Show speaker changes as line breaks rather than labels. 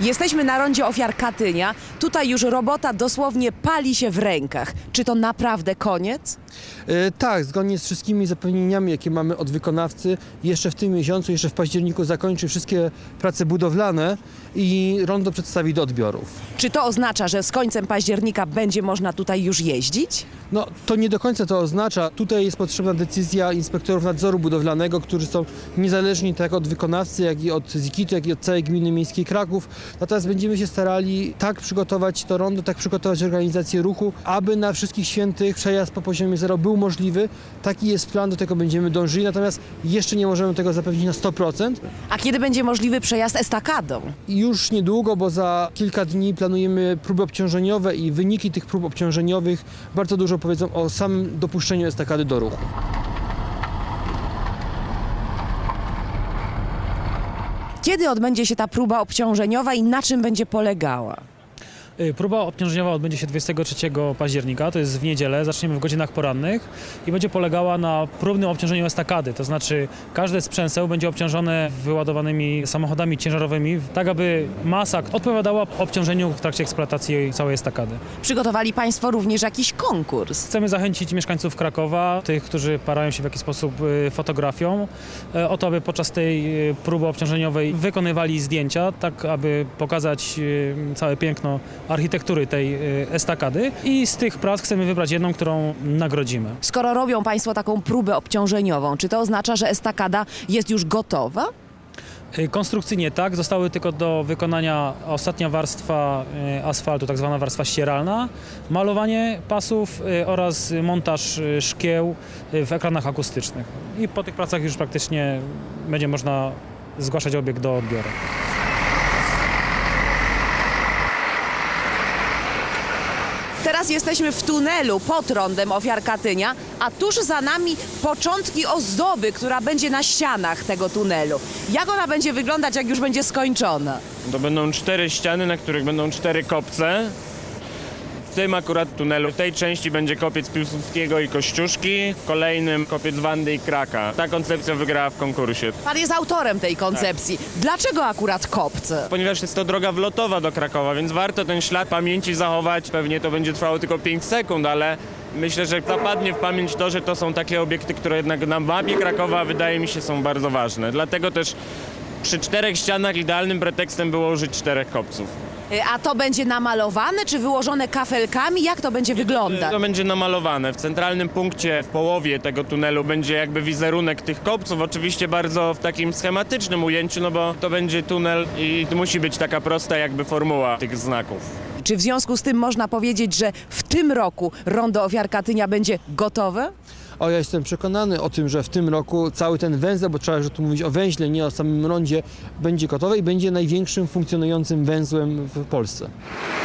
Jesteśmy na rondzie ofiar Katynia. Tutaj już robota dosłownie pali się w rękach. Czy to naprawdę koniec?
Tak, zgodnie z wszystkimi zapewnieniami, jakie mamy od wykonawcy, jeszcze w tym miesiącu, jeszcze w październiku zakończy wszystkie prace budowlane i rondo przedstawi do odbiorów.
Czy to oznacza, że z końcem października będzie można tutaj już jeździć?
No, to nie do końca to oznacza. Tutaj jest potrzebna decyzja inspektorów nadzoru budowlanego, którzy są niezależni tak od wykonawcy, jak i od ZIKIT-u, jak i od całej gminy miejskiej Kraków. Natomiast będziemy się starali tak przygotować to rondo, tak przygotować organizację ruchu, aby na Wszystkich Świętych przejazd po poziomie zero był możliwy. Taki jest plan, do tego będziemy dążyli, natomiast jeszcze nie możemy tego zapewnić na 100%.
A kiedy będzie możliwy przejazd estakadą?
I już niedługo, bo za kilka dni planujemy próby obciążeniowe i wyniki tych prób obciążeniowych bardzo dużo powiedzą o samym dopuszczeniu estakady do ruchu.
Kiedy odbędzie się ta próba obciążeniowa i na czym będzie polegała?
Próba obciążeniowa odbędzie się 23 października, to jest w niedzielę, zaczniemy w godzinach porannych i będzie polegała na próbnym obciążeniu estakady, to znaczy każde sprzęseł będzie obciążone wyładowanymi samochodami ciężarowymi, tak aby masa odpowiadała obciążeniu w trakcie eksploatacji całej estakady.
Przygotowali Państwo również jakiś konkurs.
Chcemy zachęcić mieszkańców Krakowa, tych, którzy parają się w jakiś sposób fotografią, o to, aby podczas tej próby obciążeniowej wykonywali zdjęcia, tak aby pokazać całe piękno architektury tej estakady i z tych prac chcemy wybrać jedną, którą nagrodzimy.
Skoro robią Państwo taką próbę obciążeniową, czy to oznacza, że estakada jest już gotowa?
Konstrukcyjnie tak, zostały tylko do wykonania ostatnia warstwa asfaltu, tak zwana warstwa ścieralna, malowanie pasów oraz montaż szkieł w ekranach akustycznych. I po tych pracach już praktycznie będzie można zgłaszać obiekt do odbioru.
Teraz jesteśmy w tunelu pod rondem ofiar Katynia, a tuż za nami początki ozdoby, która będzie na ścianach tego tunelu. Jak ona będzie wyglądać, jak już będzie skończona?
To będą 4 ściany, na których będą 4 kopce. W tym akurat tunelu, w tej części będzie kopiec Piłsudskiego i Kościuszki, w kolejnym kopiec Wandy i Kraka. Ta koncepcja wygrała w konkursie.
Pan jest autorem tej koncepcji. Dlaczego akurat kopce?
Ponieważ jest to droga wlotowa do Krakowa, więc warto ten ślad pamięci zachować. Pewnie to będzie trwało tylko 5 sekund, ale myślę, że zapadnie w pamięć to, że to są takie obiekty, które jednak na mapie Krakowa wydaje mi się są bardzo ważne. Dlatego też przy 4 ścianach idealnym pretekstem było użyć 4 kopców.
A to będzie namalowane, czy wyłożone kafelkami? Jak to będzie wyglądać?
To będzie namalowane. W centralnym punkcie, w połowie tego tunelu będzie jakby wizerunek tych kopców. Oczywiście bardzo w takim schematycznym ujęciu, no bo to będzie tunel i musi być taka prosta jakby formuła tych znaków.
Czy w związku z tym można powiedzieć, że w tym roku rondo ofiar Katynia będzie gotowe?
Ja jestem przekonany o tym, że w tym roku cały ten węzeł, bo trzeba już tu mówić o węźle, nie o samym rondzie, będzie gotowy i będzie największym funkcjonującym węzłem w Polsce.